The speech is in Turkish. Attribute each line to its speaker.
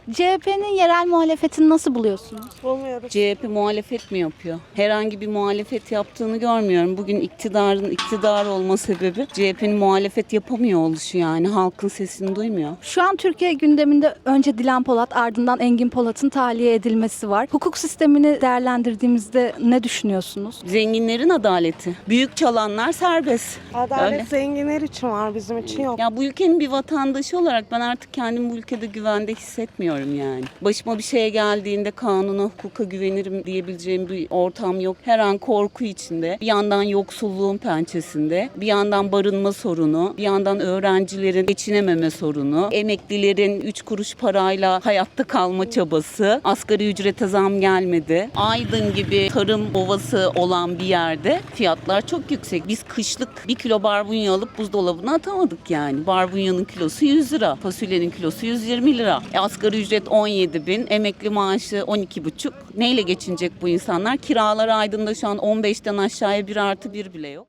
Speaker 1: CHP'nin yerel muhalefetini nasıl buluyorsunuz?
Speaker 2: Bulmuyoruz.
Speaker 3: CHP muhalefet mi yapıyor? Herhangi bir muhalefet yaptığını görmüyorum. Bugün iktidarın iktidar olma sebebi CHP'nin muhalefet yapamıyor oluşu yani. Halkın sesini duymuyor.
Speaker 1: Şu an Türkiye gündeminde önce Dilan Polat, ardından Engin Polat'ın tahliye edilmesi var. Hukuk sistemini değerlendirdiğimizde ne düşünüyorsunuz?
Speaker 3: Zenginlerin adaleti. Büyük çalanlar serbest.
Speaker 2: Adalet
Speaker 3: Öyle.
Speaker 2: zenginler için var, bizim için yok.
Speaker 3: Ya bu ülkenin bir vatandaşı olarak ben artık kendimi bu ülkede güvende hissetmiyorum yani. Başıma bir şey geldiğinde kanuna, hukuka güvenirim diyebileceğim bir ortam yok. Her an korku içinde. Bir yandan yoksulluğun pençesinde, bir yandan barınma sorunu, bir yandan öğrencilerin geçinememe sorunu, emeklilerin 3 kuruş parayla hayatta kalma çabası, asgari ücrete zam gelmedi. Aydın gibi tarım ovası olan bir yerde fiyatlar çok yüksek. Biz kışlık 1 kilo barbunya alıp buzdolabına atamadık yani. Barbunyanın kilosu 100 lira, fasulyenin kilosu 120 lira. Asgari ücret 17 bin, emekli maaşı 12,5. Neyle geçinecek bu insanlar? Kiralar Aydın'da şu an 15'ten aşağıya 1+1 bile yok.